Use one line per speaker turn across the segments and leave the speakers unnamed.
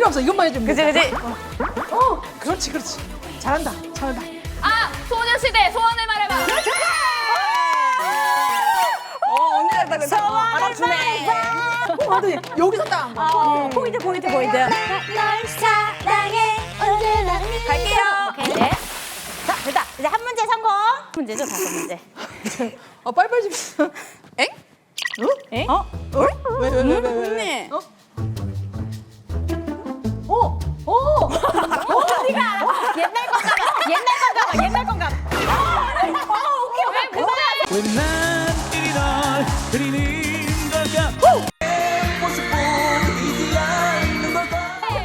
필요 없어. 이것만 해주면
그지
돼.
그지.
그렇지, 그렇지. 잘한다, 잘한다.
아, 소녀시대 소원을 말해봐.
언니 잘다 그죠? 알아주네.
완전히 여기서 딱.
포인트 포인트 포인트.
널 사랑해 언제나
갈게요.
오케이 네.
자 됐다. 이제 한 문제 성공. 문제죠 다섯 문제.
빨리빨리 좀.
엥?
응?
어?
왜?
언니. 옛날 건가 봐. 옛날 건가 봐. 오케이.
왜난 이리 널 그리는 걸까? 내 모습 보이지 않는 걸까?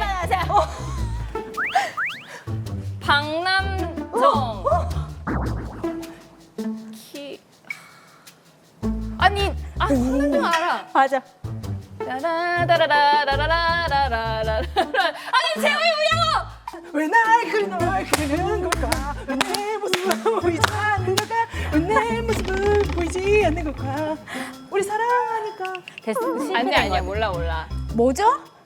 박남정. 아니, 박남정 알아.
맞아.
라라라라라라라라라라. 아니, 재호이 뭐냐고!
왜 날 그리는 걸까? 왜 내 모습은 보이지 않는 걸까? 왜 내 모습은 보이지 않는 걸까? 우리 사랑하니까.
됐어.
아니야, 몰라.
뭐죠?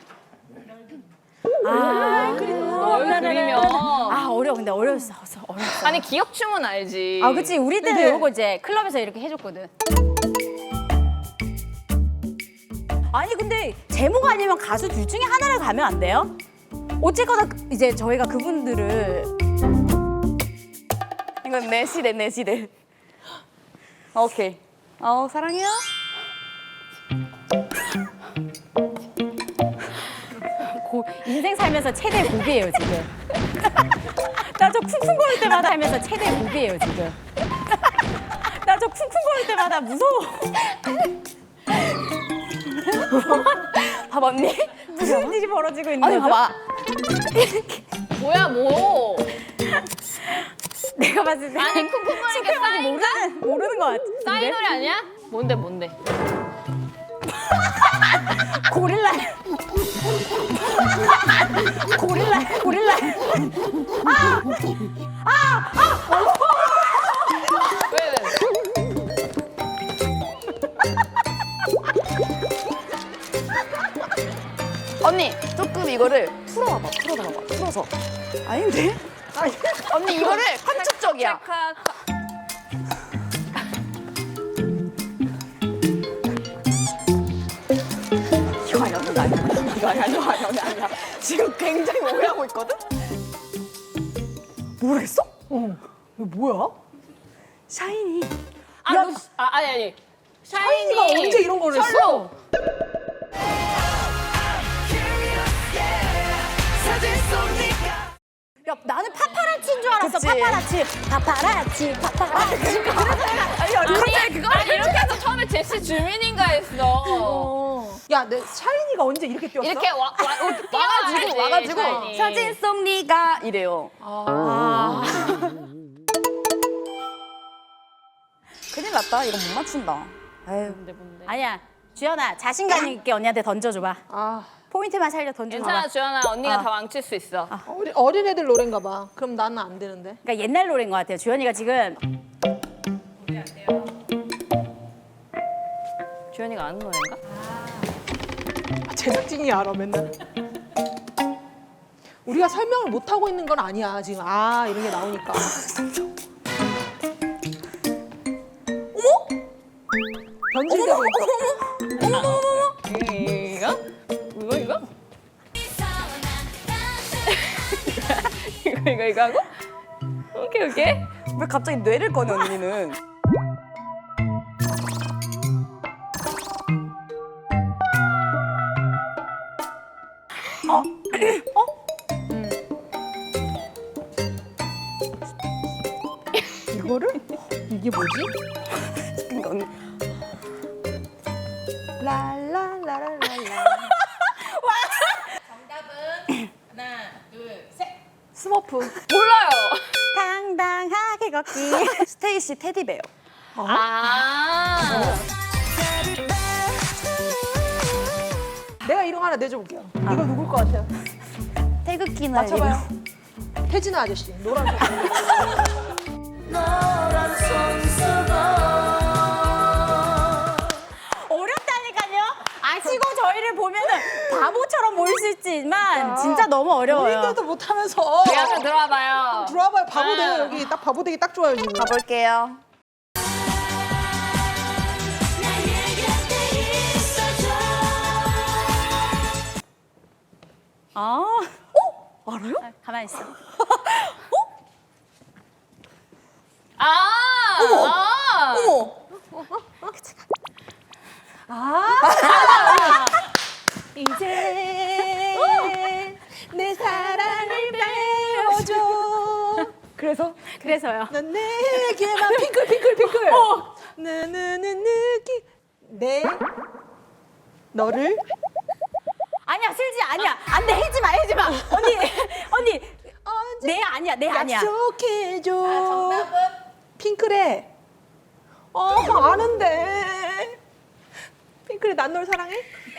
아,
널 그리면.
아 어려워. 근데 어려웠어.
아니, 기억춤은 알지.
아 그치. 우리 때는
근데-
이거 이제 클럽에서 이렇게 해줬거든. 아니 근데 제목 아니면 가수 둘 중에 하나를 가면 안 돼요? 어쨌거나 이제 저희가 그분들을 이건 내 시대. 오케이. 사랑해요. 인생 살면서 최대 고비예요 지금. 나 저 쿵쿵거릴 때마다 하면서 최대 고비예요 지금. 나 저 쿵쿵거릴 때마다 무서워. 봐봐 언니 무슨 일이 벌어지고 있는 거죠? 봐봐.
뭐야, 뭐.
내가 봤을 때
아니, 쿵쿵거리는 게 싸인가?
모르는 것 같아.
싸인 노래 아니야? 뭔데?
고릴라.
왜?
언니 조금 이거를 풀어서. 아닌데? 언니 이거를 한쪽적이야. 이거 아니야. 지금 굉장히 오해하고 있거든? 모르겠어?
이거 뭐야?
샤이니.
아니.
샤이니가 언제 이런 거를 했어?
철로.
야, 나는 파파라치인 줄 알았어.
그치.
파파라치.
아니, 이렇게 해서 처음에 제시 주민인가 했어.
야, 내 샤이니가 언제 이렇게 뛰었어?
이렇게
와가지고
샤이니.
사진 속 네가 이래요. 큰일 났다. 이거 못 맞춘다. 아유.
뭔데?
아니야. 주연아, 자신감 있게 언니한테 던져줘봐. 포인트만 살려 던져줘봐.
괜찮아, 주연아. 언니가 다 망칠 수 있어.
어린애들 노래인가 봐. 그럼 나는 안 되는데.
그러니까 옛날 노래인 것 같아요. 주연이가 지금
주연이가 아는 노래인가?
제작진이 알아, 맨날. 우리가 설명을 못 하고 있는 건 아니야, 지금. 이런 게 나오니까. 어머? 변질되고 있어.
이거? 이거 하고? 오케이.
왜 갑자기 뇌를 꺼내 언니는?
이거를? 이게 뭐지?
그러니까 언니
랄랄라랄랄라. 스머프.
몰라요.
당당하게 걷기. 스테이시 테디베어.
내가 이름 하나 내줘볼게요. 이거 누굴 것 같아요?
태극기 날
맞춰봐요. 태진아 아저씨. 노란
어렵다니까요. 아 하시고 저희를 보면은 바보처럼 보일 수 있지만 진짜 너무 어려워요.
본인들도 못하면서.
우리 한번 들어와봐요.
들어와봐요. 바보 돼요. 여기 딱 바보 되기 딱 좋아요 지금.
가볼게요.
아, 알아요? 가만히 있어.
이제 내 사랑을 배워줘.
그래서요.
넌 내게만 핑클. 나는 느끼 내 너를
아니야, 슬지 아니야. 안 돼, 해지 마. 언니.
언제
내 아니야.
약속해줘. 정답은 핑클의 아는데. 핑클의 난 널 사랑해?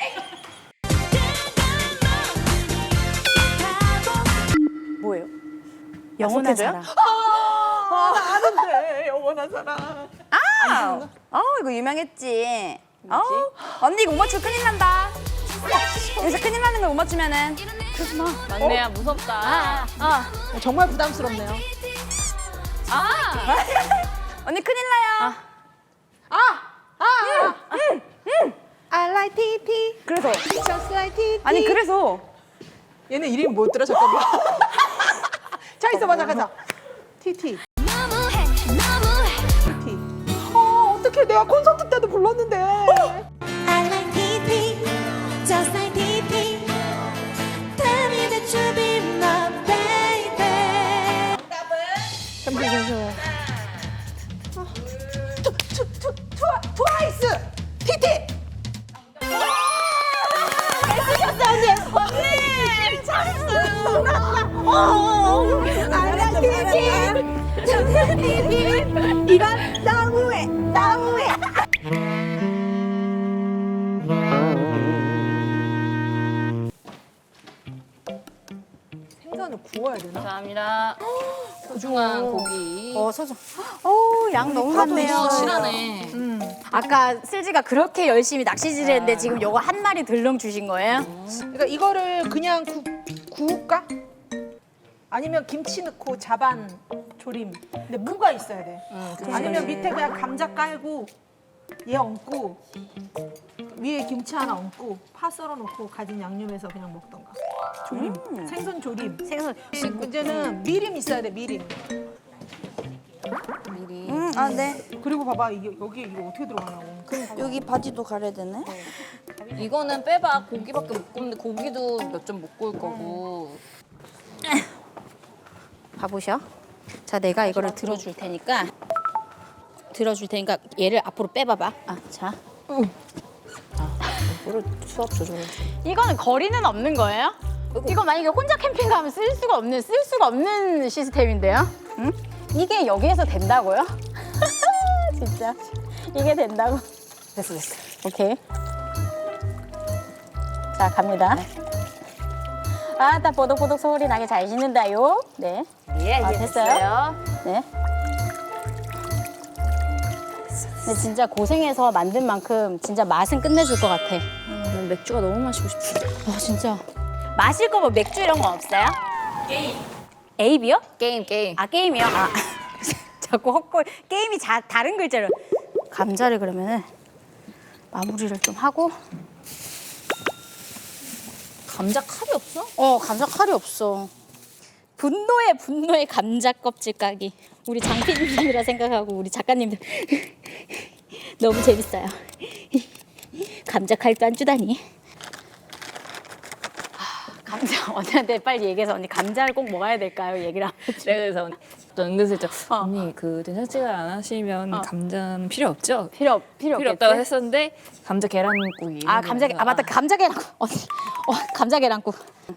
뭐예요?
영원한
약속해줘요?
사랑.
아는데 영원한 사랑.
이거 유명했지. 언니 이거 못 맞추면 큰일 난다. 여기서 큰일 나는 거 못 맞추면은.
막내야 무섭다.
정말 부담스럽네요.
언니 큰일 나요.
I like TT.
그래서
Just like TT.
아니 그래서
얘네 이름이 뭐였더라? 잠깐만. 자 있어봐 잠깐. TT. TT. 어떡해 내가 콘서트 때도 불렀는데.
I like TT, just like TT. Tell me that you be my baby.
잠시만요. 트와이스. TT. I like TT. just like TT. 이건 너무해. 생선을 구워야 되나?
감사합니다. 소중한 고기.
서정. 양 너무 많네요.
실하네.
아까 슬지가 그렇게 열심히 낚시질 했는데 지금 요거 한 마리 들렁 주신 거예요?
그러니까 이거를 그냥 구울까? 아니면 김치 넣고 자반 조림. 근데 무가 있어야 돼. 아니면 밑에 그냥 감자 깔고 얘 얹고 위에 김치 하나 얹고 파 썰어 놓고 가진 양념해서 그냥 먹던가. 조림. 생선 조림.
생선.
문제는 미림 있어야 돼. 미림.
네.
그리고 봐봐 이게 여기 이거 어떻게 들어가냐고.
여기 바지도 가려야 되네.
이거는 빼봐. 고기밖에 못 굽는데 고기도 몇 점 못 구울 거고.
봐보셔. 자, 내가 이거를 들어줄 테니까 얘를 앞으로 빼봐봐. 자.
수압 조절.
이거는 거리는 없는 거예요? 이거 만약에 혼자 캠핑 가면 쓸 수가 없는 시스템인데요? 응? 이게 여기에서 된다고요? 진짜 이게 된다고? 됐어. 오케이. 자, 갑니다. 딱 보독보독 소리 나게 잘 씻는다요. 네. 됐어요. 네. 근데 진짜 고생해서 만든 만큼 진짜 맛은 끝내줄 것 같아.
난 맥주가 너무 마시고 싶어.
진짜. 마실 거 뭐 맥주 이런 거 없어요? 게임. 에이비요?
게임.
게임이요? 자꾸 헛골. 게임이 다른 글자로. 감자를 그러면은 마무리를 좀 하고.
감자 칼이 없어?
감자 칼이 없어. 분노의 감자 껍질 까기. 우리 장PD님이라 생각하고 우리 작가님들 너무 재밌어요. 감자 칼도 안 주다니. 감자 언니한테 빨리 얘기해서 언니 감자를 꼭 먹어야 될까요? 얘기를 하면
내가 그래서 또 은근슬쩍 언니 그 된장찌개를 안 하시면 감자는 필요 없죠?
필요
필요
없겠지?
없다고 했었는데 감자 계란국이
맞다. 감자 계란국. 언니. 감자 계란국.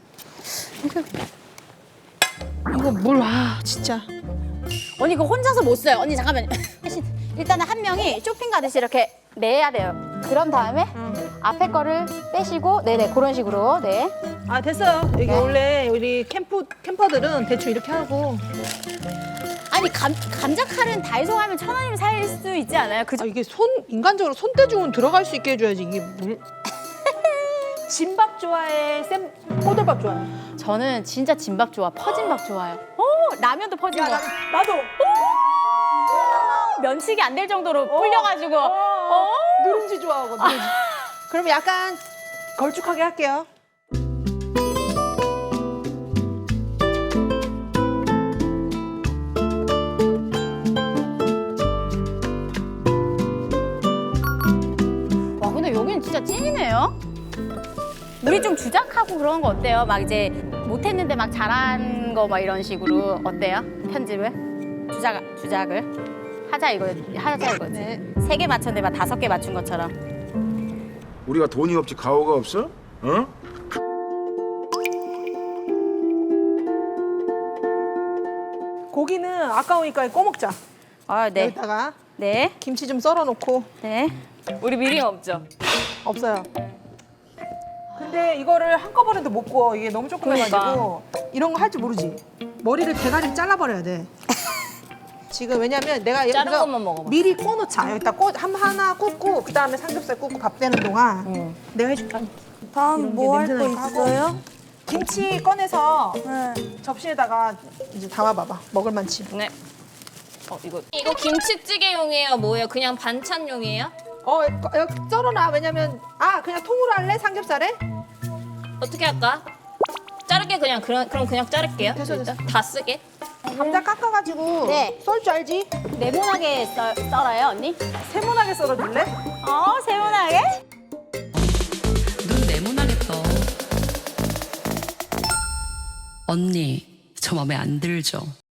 이거 뭘 진짜.
언니 이거 혼자서 못 써요. 언니 잠깐만요. 일단은 한 명이 쇼핑 가듯이 이렇게 내야 돼요. 그런 다음에 앞에 거를 빼시고 네네 그런 식으로 네.
됐어요. 이게 원래 우리 캠퍼들은 대충 이렇게 하고.
아니 감자 칼은 다이소 가면 1,000원이면 살 수 있지 않아요? 그죠?
이게 인간적으로 손대중은 들어갈 수 있게 해줘야지 이게 물. 진밥 좋아해? 꼬들밥 좋아해?
저는 진짜 진밥 좋아. 퍼진 밥 좋아해요. 라면도 퍼진 거.
나도.
면치기 안 될 정도로 불려가지고.
누룽지 좋아하고 누룽지. 그럼 약간 걸쭉하게 할게요.
와, 근데 여기는 진짜 찐이네요. 우리 좀 주작하고 그런 거 어때요? 막 이제 못했는데 막 잘한 거 막 이런 식으로 어때요? 편집을? 주작을? 하자 이거지.
네.
3개 맞췄는데 막 5개 맞춘 것처럼.
우리가 돈이 없지 가오가 없어? 어?
고기는 아까우니까 꺼 먹자.
아, 네.
여기다가
네.
김치 좀 썰어 놓고.
네.
우리 미림 없죠?
없어요. 근데 이거를 한꺼번에도 못 구워. 이게 너무 조그매가지고 이런 거 할 줄 모르지. 머리를 대가리를 잘라버려야 돼. 지금 왜냐면 내가
자른
여기서
것만 먹어봐.
미리 꺼놓자. 여기다 하나 굽고 그 다음에 삼겹살 굽고 밥 되는 동안 내가 해줄게.
다음 뭐 할 거
냄새 나니까 하고.
있어요?
김치 꺼내서
네.
접시에다가 이제 담아봐봐. 먹을 만치.
네. 이거 김치찌개용이에요? 뭐예요? 그냥 반찬용이에요?
썰어놔. 왜냐면 그냥 통으로 할래? 삼겹살에?
어떻게 할까? 자를게 그냥 그럼 그냥 자를게요.
됐어,
일단. 다 쓰게.
감자 깎아가지고
네.
썰 줄 알지?
네모나게 썰어요, 언니?
세모나게 썰어줄래?
세모나게?
눈 네모나겠다. 언니, 저 맘에 안 들죠?